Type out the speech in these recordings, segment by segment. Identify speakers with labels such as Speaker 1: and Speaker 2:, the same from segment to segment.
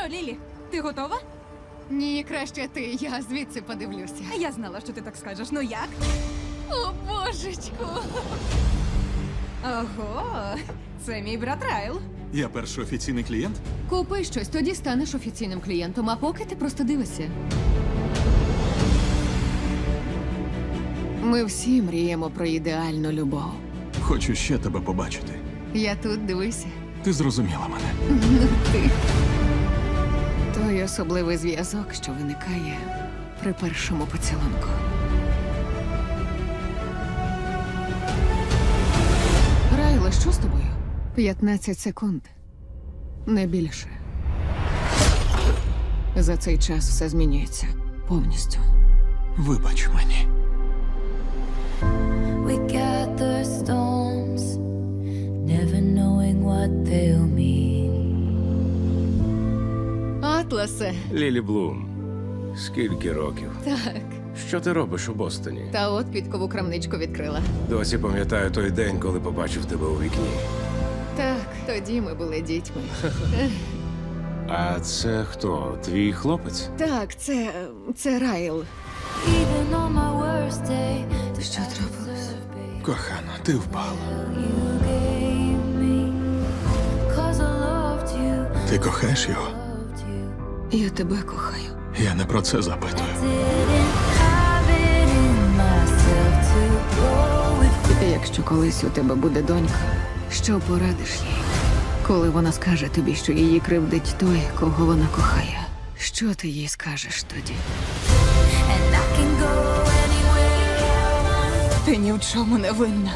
Speaker 1: Лілі, ти готова?
Speaker 2: Ні, краще ти, я звідси подивлюся.
Speaker 1: Я знала, що ти так скажеш. Ну як?
Speaker 2: О, божечку!
Speaker 1: Ого, це мій брат Райл.
Speaker 3: Я перший офіційний клієнт?
Speaker 2: Купи щось, тоді станеш офіційним клієнтом, а поки ти просто дивишся. Ми всі мріємо про ідеальну любов.
Speaker 3: Хочу ще тебе побачити.
Speaker 2: Я тут, дивися.
Speaker 3: Ти зрозуміла мене.
Speaker 2: Ти. Той особливий зв'язок, що виникає при першому поцілунку. Райла, що з тобою? 15 секунд. Не більше. За цей час все змінюється. Повністю.
Speaker 3: Вибач мені.
Speaker 4: We gather storms, never knowing what they'll mean.
Speaker 2: Атласе.
Speaker 5: Лілі Блум, скільки років?
Speaker 2: Так.
Speaker 5: Що ти робиш у Бостоні?
Speaker 2: Та от підкову крамничку відкрила.
Speaker 5: Досі пам'ятаю той день, коли побачив тебе у вікні.
Speaker 2: Так, тоді ми були дітьми.
Speaker 5: А це хто? Твій хлопець?
Speaker 2: Так, це Райл.
Speaker 4: Even on my worst day, the
Speaker 2: Що трапилось?
Speaker 3: Кохана, ти впала.
Speaker 4: you gave me. 'Cause I loved you,
Speaker 3: Ти кохаєш його?
Speaker 4: loved you.
Speaker 2: Я тебе кохаю.
Speaker 3: Я не про це запитую.
Speaker 4: Didn't have it in myself to go with.
Speaker 2: Якщо колись у тебе буде донька, що порадиш їй? Коли вона скаже тобі, що її кривдить той, кого вона кохає, що ти їй скажеш тоді?
Speaker 4: And I can go anywhere.
Speaker 1: Ти ні в чому не винна.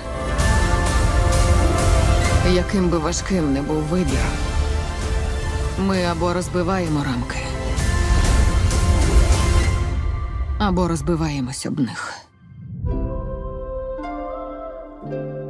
Speaker 2: Яким би важким не був вибір, ми або розбиваємо рамки, або розбиваємось об них.